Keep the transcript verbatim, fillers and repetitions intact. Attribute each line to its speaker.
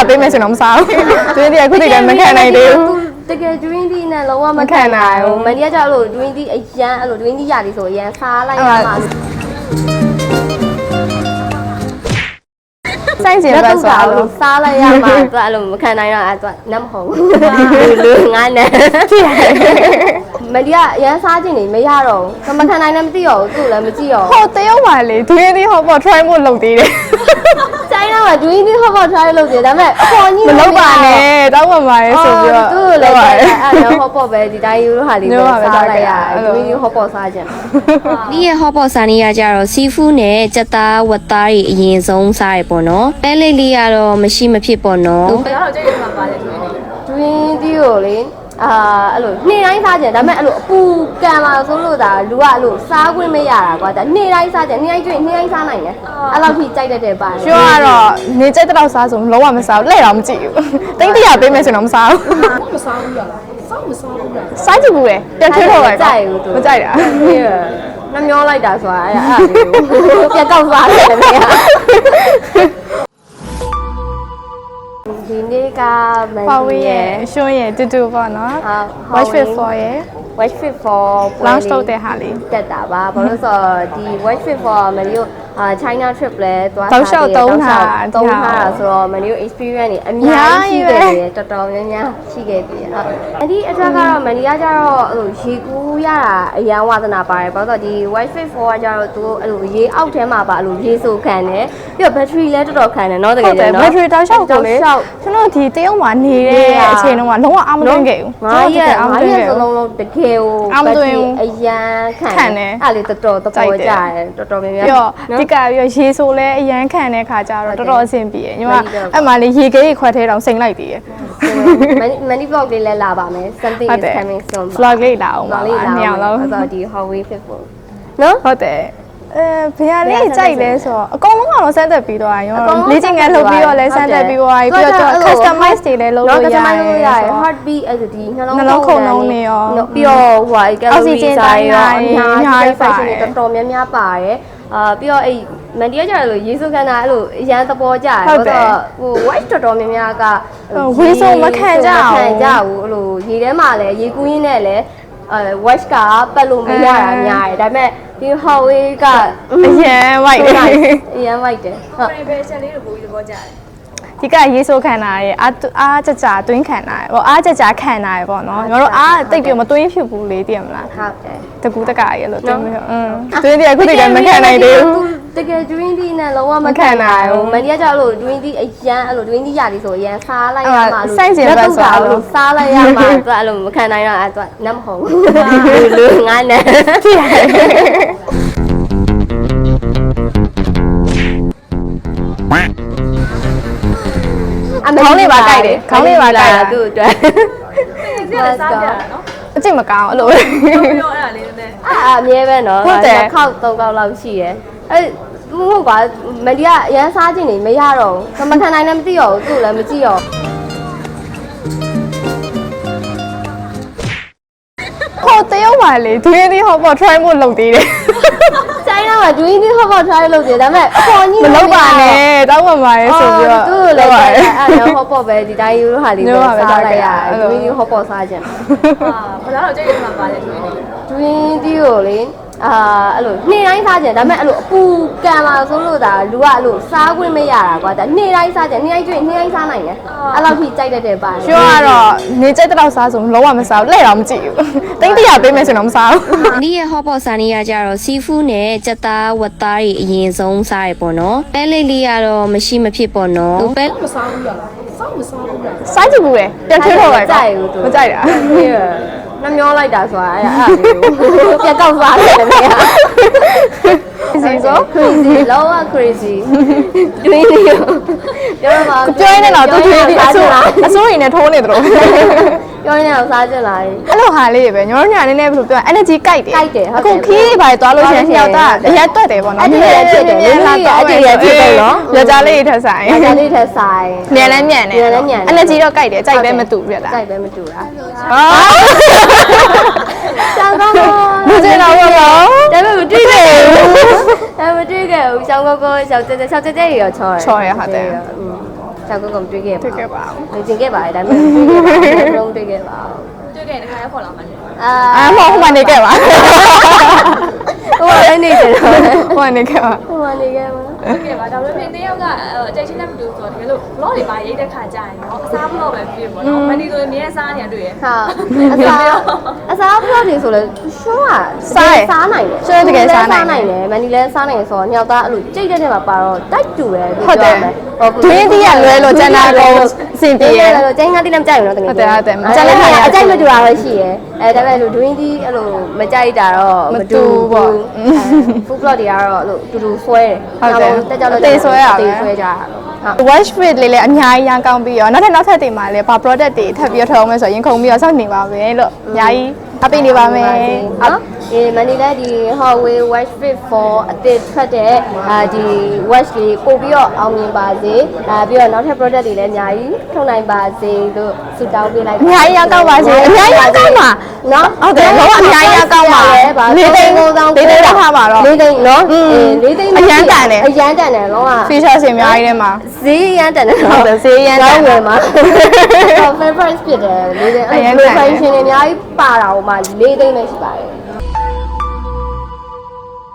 Speaker 1: ပေးမယ်ဆိုတော့မစားဘူးတွင်းတီကခုတည်းကမခံနိုင်သေးဘူး
Speaker 2: တကယ် dream tea နဲ့လုံးဝမခံနိုင်ဘူးမန်ဒီကကြောက်လို့ dream tea အရန်အဲ့လို dream tea ရတယ်ဆိုအရန်စားလိုက်ရမှာ
Speaker 1: ဆိုင်ကျင်ပဲဆိုတော့
Speaker 2: စားလိုက်ရမှာသူအဲ့လိုမခံနိုင်တော့အဲ့သူနတ်မဟုတ်ဘူးလူငါနဲ့မဒီကအရန်စားခြင်းနေမရတော့ဘူးမခံနိုင်လည်းမသိတော့ဘူးသူ့လည်းမကြည့်တော့
Speaker 1: ဟိုတရုတ်ပါလေဒွင်းသေးဟောပေါ့ try ဖို့လုပ်သေးတယ်
Speaker 2: ဆိုင်တော့ကဒွင်းသေးဟောပေါ့ try လုပ်သေးတယ်ဒါပေမဲ့အပေါ်ကြီး
Speaker 1: မလုပ်ပါနဲ့တောက်ပါပါလေဆိုပြီးတော့
Speaker 2: သူ့လည်းအဲ့တော့ဟောပေါ့ပဲဒီတိုင်းယူလို့ဟာလေးပဲစားလိုက်ရတယ်ဒွင်းသေးဟောပေါ့စားခြင်း
Speaker 3: ဒီရဲ့ဟောပေါ့စားနေရကြတော့စီဖူးနဲ့ကြက်သားဝက်သားတွေအရင်ဆုံးစားရပေါ့နော်ပဲလေးလေးကတော့မရှိမဖြစ်ပေါ့နော်
Speaker 2: ဒါတော့ကြိတ်ရမှာပါလေဒွင်းသေးကိုလေအာအဲ့လိုနေ့တိုင်းစားကြတယ်ဒါပေမဲ့အဲ့လိုအပူကံလာဆိုလို့ဒါလူကအဲ့လိုစားခွင့်မရတာကွာဒါနေ့တိုင်းစားကြနေ့တိုင်းကျွေးနေ့တိုင်းစားနိုင်တယ်အဲ့လောက်ထိကြိုက်တတ်တဲ့ပါ
Speaker 1: ကျွတ်ကတော့နေကြိုက်တဲ့တော့စားဆိုလုံးဝမစားဘူးလက်တော့မကြည့်ဘူးတိတ်တရပေးမယ်ဆိုတော့မစားဘူး
Speaker 4: မစားဘူးလားစားမစားဘူးလား
Speaker 1: စားကြည့်ဘူးလေပြန်ထွေးတော့ပဲ
Speaker 2: ကြိုက်ဘူးသူ
Speaker 1: မကြိုက်တာ
Speaker 2: နှမျောလိုက်တာဆိုတာအဲ့အဲ့လေးပြန်ကောက်စားတယ်မင်းဒီနေ့ကမန်ဒီရဲ့
Speaker 1: ရှုံးရဲ့တူတူပေါ့နော် watch fit for ရဲ့
Speaker 2: watch fit for
Speaker 1: launch လုပ်တဲ့ဟာလေး
Speaker 2: တက်တာပါဘာလို့ဆိုတော့ဒီ watch fit for မန်ဒီကိုအာ China trip လဲသွား
Speaker 1: စားတယ်တောင်းတာ
Speaker 2: တောင်းတာဆိုတော့မန်ဒီကို experience တွေအများကြီးရှိခဲ့တယ်တော်တော်များများရှိခဲ့ပြီဟုတ်အဲ့ဒီအတွက်ကတော့မန်ဒီကကျတော့အဲ့လိုရေကူးရတာအရန်ဝါသနာပါတယ်ဘာလို့ဆိုတော့ဒီ watch fit for ကကျတော့သူအဲ့လိုရေအောက်ထဲမှာပါအဲ့လိုရေဆိုခံတယ်ပြီးတော့ battery လဲတော်တော်ခံတယ်เนาะတကယ်နော်
Speaker 1: battery တောက်လျှောက်ကိုလေကျွန်တော်ဒီတရုတ်မှာနေတဲ့အချိန်တုန်းကလုံးဝအားမသွင်းခဲ့ဘူး
Speaker 2: ငါရဲ့ငါရဲ့စလုံးလုံးတကယ်ကို
Speaker 1: အားမသွင်း
Speaker 2: အရန်ခံတယ်အဲ့လေတော်တော်တော်ပေါ်ကြတယ်တော်တော်များများ
Speaker 1: ပြီးတော့ဒီကပြီးတော့ရေဆိုလဲအရန်ခံတဲ့ခါကျတော့တော်တော်အဆင်ပြေညီမအဲ့မှာလေရေခဲကြီးခွက်ထဲတောင်စိန်လိုက်သေးတယ်
Speaker 2: many vlog လေးလဲလာပါမယ် something is coming soon
Speaker 1: vlog လေးလာအောင်ပါနှစ်ယောက်လုံး
Speaker 2: အဲ့တော့ဒီ Huawei Flip နော်
Speaker 1: ဟုတ်တယ်အဲဘယ်ဟာလေးကြိုက်လဲဆိုတော့အကုန်လုံးကတော့စမ်းသက်ပြီးတော့ရောလေ့ကျင့်ခန်းလုပ်ပြီးတော့လဲစမ်းသက်ပြီးတော့ပြီးတော့ customize တွေလည်းလုပ်လို့ရတယ်
Speaker 2: heartbeat အဲ့ဒီနှလုံး
Speaker 1: နှလုံးခုန်လုံးနေရော
Speaker 2: ပြီးတော့ဟို calorie တိုင်းရောအများကြီး fashion တွေတော်တော်များများပါတယ်အာပြီးတော့အဲ့မန်ဒီကကျတော့လို့ရေစုခန္ဓာအဲ့လိုအရန်သဘောကျတယ်ဟုတ်တော့ဟို watch တော်တော်များများက
Speaker 1: ဝေးစုံမခံကြဘူး
Speaker 2: မခံကြဘူးအဲ့လိုရေထဲမှာလည်းရေကူးရင်းနဲ့လည်းအဲ watch ကပတ်လို့မရတာများတယ်ဒါပေမဲ့ဒီ Huawei ကအ
Speaker 1: ရန် white
Speaker 2: အရန် white တယ်
Speaker 4: ဟုတ် version လေးကိုပို့ပြီးသဘောကျတယ်
Speaker 1: ဒီကရေဆိုခံတာရဲ့အားအားကြကြတွင်းခံတာရဲ့ပေါ့အားကြကြခံတာရဲ့ပေါ့နော်ညီတို့အားတိတ်ပြီးမတွင်းဖြစ်ဘူးလေသိရမလား
Speaker 2: ဟုတ်တယ်
Speaker 1: တကူတကရဲ့လို့တွင်းပြီးอืมတွင်းတည်းအခုတည်းကမခံနိုင်သေးဘူး
Speaker 2: တကယ် dream tea နဲ့လုံးဝမခံနိုင်ဘူးမန်ဒီကကြောက်လို့ dream tea အရန်အဲ့လို dream tea ရတယ်ဆိုအရန်စားလိုက်ရမှာလို့
Speaker 1: စိုက်ကျင်ပဲဆို
Speaker 2: လို့စားလိုက်ရမှာသူအဲ့လိုမခံနိုင်တော့အဲ့သူနတ်မဟုတ်ဘူးလူငါနဲ့
Speaker 1: ဖြစ်ရတယ်ခေါင်းလေးပါကြိုက်တယ်ခေါင်းလေးပါကြိုက်တာ
Speaker 2: သူ့အတွက်
Speaker 4: ဒီကစားကြတာနော်
Speaker 1: အကျင့်မကောင်းအဲ့လို
Speaker 4: ပြောအဲ့ဒါလေးနည်းနည်း
Speaker 2: အာအမြဲပဲနော်နှစ်ခေါက်သုံးခေါက်လောက်ရှိရယ်အဲ့မဟုတ်ပါမန်ဒီကအရန်စားခြင်းနေမရတော့ဘူးမခံနိုင်လည်းမသိတော့ဘူးသူ့လည်းမကြည့်တော့
Speaker 1: ဟိုတရုတ်ပါလေဒွင်းသေးဟောပေါ့ try ဖို့လုပ်သေးတယ်
Speaker 2: ဆိုင်တော့ကဒွင်းသေးဟောပေါ့ try လုပ်သေးတယ်ဒါပေမဲ့အပေါ်ကြီး
Speaker 1: မလုပ်ပါနဲ့တောက်ပါပါလေဆိုပြီးတော့
Speaker 2: သူ့လည်းအဲ့တော့ဟောပေါ့ပဲဒီတိုင်းယူလို့ဟာလေးပဲစားလိုက်ရတယ်ဒွင်းသေးဟောပေါ့စားခြင်း
Speaker 4: ဟာဘာလို့ကြိတ်ရမှာပါလဲဒွင်းသေး
Speaker 2: ဒွင်းသေးကိုလေအာအဲ့လိုနေ့တိုင်းစားကြတယ်ဒါပေမဲ့အဲ့လိုအပူကံလာဆိုလို့ဒါလူကအဲ့လိုစားခွင့်မရတာကွာဒါနေ့တိုင်းစားကြနေ့တိုင်းကျွေးနေ့တိုင်းစားနိုင်တယ်အဲ့လောက်ထိကြိုက်တတ်တဲ့ပါ
Speaker 1: ကျွတ်ကတော့နေကြိုက်တဲ့တော့စားဆိုလုံးဝမစားဘူးလက်တော့မကြည့်ဘူးတိတ်တရပေးမယ်ဆိုတော့မစားဘူး
Speaker 3: ဒီရဲ့ဟောပေါ့စားနေရကြတော့စီဖူးနဲ့ကြက်သားဝက်သားတွေအရင်ဆုံးစားရပေါ့နော်ပဲလေးလေးကတော့မရှိမဖြစ်ပေါ့နော်
Speaker 4: ပဲမစားဘူးလားစားမစားဘူးလား
Speaker 1: စားကြည့်ဘူးလေပြန်ထွေးတော့ပဲ
Speaker 2: ကြိုက်ဘူးသူ
Speaker 1: မကြိုက်တာ
Speaker 2: နှမျောလိုက်တာဆိုတာအဲ့အဲ့လေးပြန်ကောက်စားတယ်မင်း
Speaker 1: crazy ဆို
Speaker 2: crazy လောက crazy တွင်းလေးပြောမှာ
Speaker 1: ပြောရင်းတော့သူတွေဒီအစိုးအစိုးရင်းနဲ့ထိုးနေတယ်လို့
Speaker 2: ပြောရင်းတော့စားကြလာတယ်
Speaker 1: အဲ့လိုဟာလေးပဲညောညနည်းနည်းဘယ်လိုပြော energy ကြိုက်တယ်
Speaker 2: ကြိုက်တယ်ဟုတ်
Speaker 1: တယ်အခုခီးပါသွားလို့ရှိရင်ယောက်သားအရက်တွက်တယ်ပေါ့နော်
Speaker 2: အတည်းရဖြစ်တယ်လေးလေးအတည်းရဖြစ်တယ်နော်
Speaker 1: ယောက်ျားလေးထက်ဆိုင်
Speaker 2: ယောက်ျားလေးထက်ဆိုင်
Speaker 1: မြန်လဲမြန်တယ် energy တော့ကြိုက်တယ်ကြိုက်ပဲမတူပြလား
Speaker 2: ကြိုက်ပဲမတူတာ
Speaker 1: ဟာ
Speaker 2: ကျန်တော့
Speaker 1: မကျင်တော့ဘူးနော်
Speaker 2: ဒါပေမဲ့မတွေ့ခဲ့ဘူးဒါမတွေ့ခဲ့ဘူးရှောင်းကောကောရှောင်းတဲတဲရှောင်းတဲတဲတွေရောချောတယ်
Speaker 1: ချောရဟုတ်တယ်
Speaker 2: ကြောက်ကုတ်ကုန်တွေ့ခဲ့ပါ
Speaker 1: တွေ့ခဲ့ပါဦး
Speaker 2: နေကျင်ခဲ့ပါတယ်ဒါပေမဲ့တွေ့ခဲ့ပါဘူးလုံးတွေ့ခဲ့ပါဘူး
Speaker 4: တွေ့ခဲ့တဲ့ခါရခေါ်လာမှလည်း
Speaker 2: အာ
Speaker 1: အာမဟုတ်မှနေခဲ့ပါ
Speaker 2: ဟိုလည်းနေတယ်တော့
Speaker 1: ဟိုနေခဲ့ပါ
Speaker 2: ဟိုကနေခဲ့ပါ
Speaker 4: တွေ့ခဲ့ပါဒါပေမဲ့တယောက်ကအကြိတ်ချင်းနဲ့မတူဆိုတော့တကယ်လို့ vlog တွေပါရိုက်တဲ့ခါကြာရင်တော့အစား vlog ပဲဖြစ်ပေါ့နော်မနီဆိုရင်မြဲစားနေရတွေ့ရ
Speaker 2: ဟာအစားအစားဘလော့တွေဆိုလဲရှုံးကစားနိုင်တယ်နိုင်တယ်မန်ဒီလဲစားနိုင်ဆိုတော့ညောက်သားအဲ့လိုကြိတ်တဲ့ထဲမှာပါတော့တိုက်တူတယ်
Speaker 1: ဟုတ်တယ်ဒင်းတီးရလွဲလို့ကျန်တာတော့အဆင်ပြေရဲ့
Speaker 2: ကျင်းငါတိလည်းမကြိုက်ဘူးနော်တကယ်
Speaker 1: ဟုတ်တယ်ဟုတ်တယ်
Speaker 2: ကျန်လည်းအကြိုက်မတူတာပဲရှိရဲအဲဒါပေမဲ့လို့ဒွင်းတီးအဲ့လိုမကြိုက်တာတော့မတူပေါ့ food blog တွေကတော့အဲ့လိုတူတူဆွဲတယ်တက်ကြလို့တေးဆွဲကြတာ
Speaker 1: wash fit လေးလည်းအများကြီးရန်ကောင်းပြီးရောနောက်ထပ်နောက်ထပ်တွေမှာလည်းဘာ product တွေထပ်ပြီးထောင်းမယ်ဆိုရင်ခုံပြီးတော့စောင့်နေပါမယ်လို့အများကြီးအပိနေပါမယ်
Speaker 2: နော်ဒီမန်ဒီလည်းဒီ Huawei Watch Fit four အသစ်ထွက်တဲ့အာဒီ watch လေးပို့ပြီးတော့အောင်မြင်ပါစေအာပြီးတော့နောက်ထပ် product တွေလည်းအများကြီးထုတ်နိုင်ပါစေလို့ဆုတောင်းပေးလိုက်
Speaker 1: အများကြီးရန်ကောင်းပါစေအများကြီးရန်ကောင်းပါ
Speaker 2: နော်
Speaker 1: ဟုတ်တယ်လုံးဝအများကြီးရန်ကောင်းပါလေးသိန်းကိုသောင်းလေးသိန်းထားပါတော့
Speaker 2: လေးသိန်းနော်အေးလေးသိန်း
Speaker 1: အရန်တန်တယ်
Speaker 2: အရန်တန်တယ်လုံးဝ
Speaker 1: feature တွေအများကြီးထဲမှာ
Speaker 2: ဈေးရန်တန်တယ်
Speaker 1: ဟုတ်တယ်ဈေးရန်တန်
Speaker 2: ဝယ်မှာ favorite ဖြစ်တယ်လေးသိန်းအဲ့ reflection တွေအများကြီးပါတာဟိုမှာလေးသိန်းပဲရှိပါတယ်